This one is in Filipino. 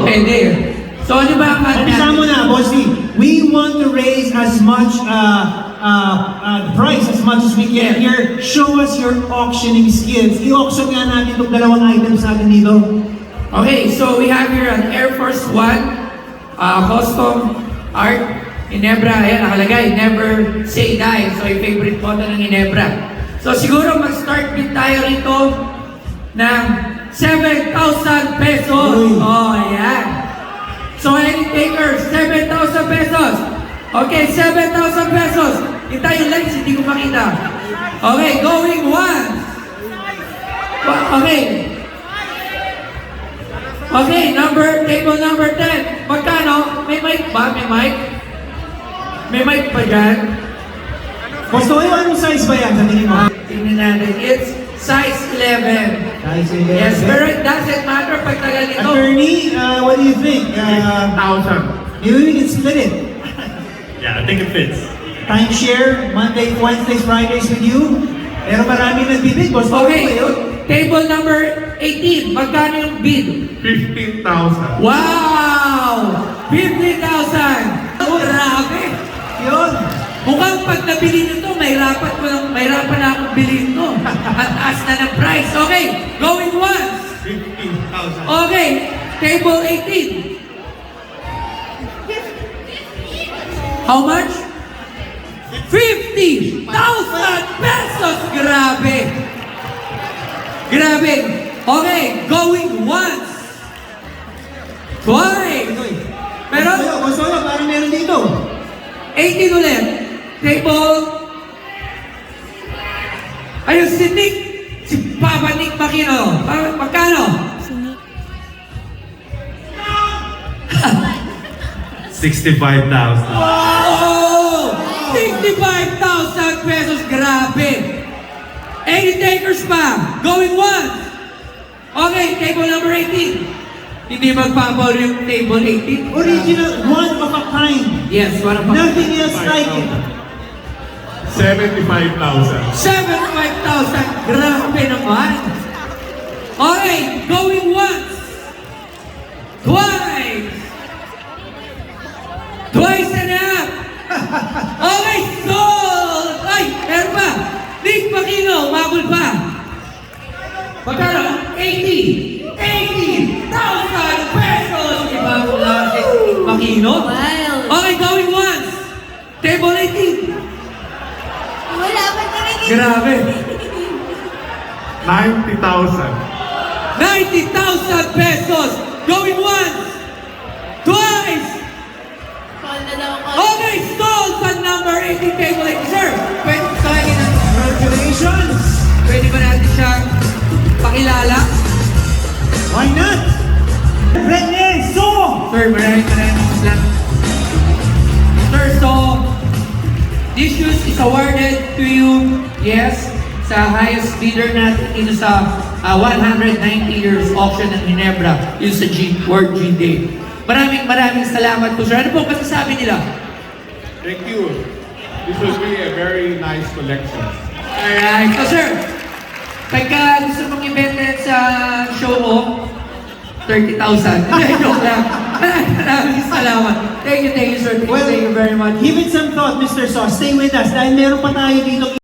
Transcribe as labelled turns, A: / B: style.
A: Pwede. So, ano ba ang
B: Umpisa mo na, Bossy. We want to raise as much price as much as we can here. Show us your auctioning skills. I-auction nga natin itong dalawang items natin dito.
A: Okay, so we have here an Air Force One custom art Ginebra. Ayan, nakalagay, never say die. So, yung favorite photo ng Ginebra. So, siguro mag-start bid tayo rito ng 7,000 pesos. Oh, ayan. So, any takers, 7,000 pesos. Okay, 7,000 pesos. Kita yung lights, hindi ko makita. Okay, going once. Okay. Okay, table number 10. Magkano? May mic ba? May mic? May mic pa dyan?
B: Gusto kayo, anong size ba yan sa tingin mo?
A: Tingnan natin. It's size 11.
B: Size 11.
A: Yes, pero it doesn't matter pag tagal nito.
B: Attorney, what do you think?
C: 1,000.
B: Maybe we can split it.
C: Yeah, I think it fits.
B: Timeshare, Monday, Wednesdays, Fridays with you. Pero maraming nagbibid. Gusto
A: Okay,
B: ko yun.
A: table number 18. Magkano yung bid?
C: 15,000.
A: Wow! 50,000! Oh, grabe!
B: Yun.
A: Mukhang pag nabili nito, mahirapan na akong bilhin to. At taas na ng price. Okay, going once.
C: 15,000.
A: Okay, table 18. How much? 50,000 pesos! Grabe! Grabe! Okay, going once. Twice. Pero,
B: Gusto ko, parang meron dito.
A: 18 ulit. Table. Ayun, si Nick. Si Papa Nick Makino. Magkano?
C: 65,000.
A: Oh! 65,000 pesos. Grabe. 80 takers pa. Going once. Okay, table number 18. Hindi magpapawal yung table 18.
B: Original, one of a kind.
A: Yes, one of
B: Nothing else like it.
C: 75,000.
A: 75,000. Grabe naman. Okay, going once. Twice. Twice and a half. Okay, sold. Ay, meron pa. Nick Makino, mabul pa. Magkano? 80,000 pesos. Iba ko lang si Nick Makino. Okay, going once. Table 18.
D: Wala pa talaga.
A: Grabe.
C: 90,000.
A: 90,000 pesos. Going once. Twice.
D: Call na daw ako.
A: Okay, sold sa number 18 table 8. Sir, pwede ko sa akin ng
B: Congratulations.
A: pwede ba natin siya pakilala?
B: Why not? Rene, so!
A: Sir, maraming salamat. Sir, so, this shoes is awarded to you, yes, sa highest bidder natin dito sa 190 years auction ng Ginebra, yung sa World G Day. Maraming salamat po, sir. Ano po masasabi nila?
C: Thank you. This will be a very nice collection.
A: Alright. So, sir, pagka gusto mong ibenta sa show mo, 30,000. Joke lang. Maraming salamat. Thank you, sir. Thank you very much.
B: Give it some thought, Mr. Sauce. Stay with us dahil meron pa tayo dito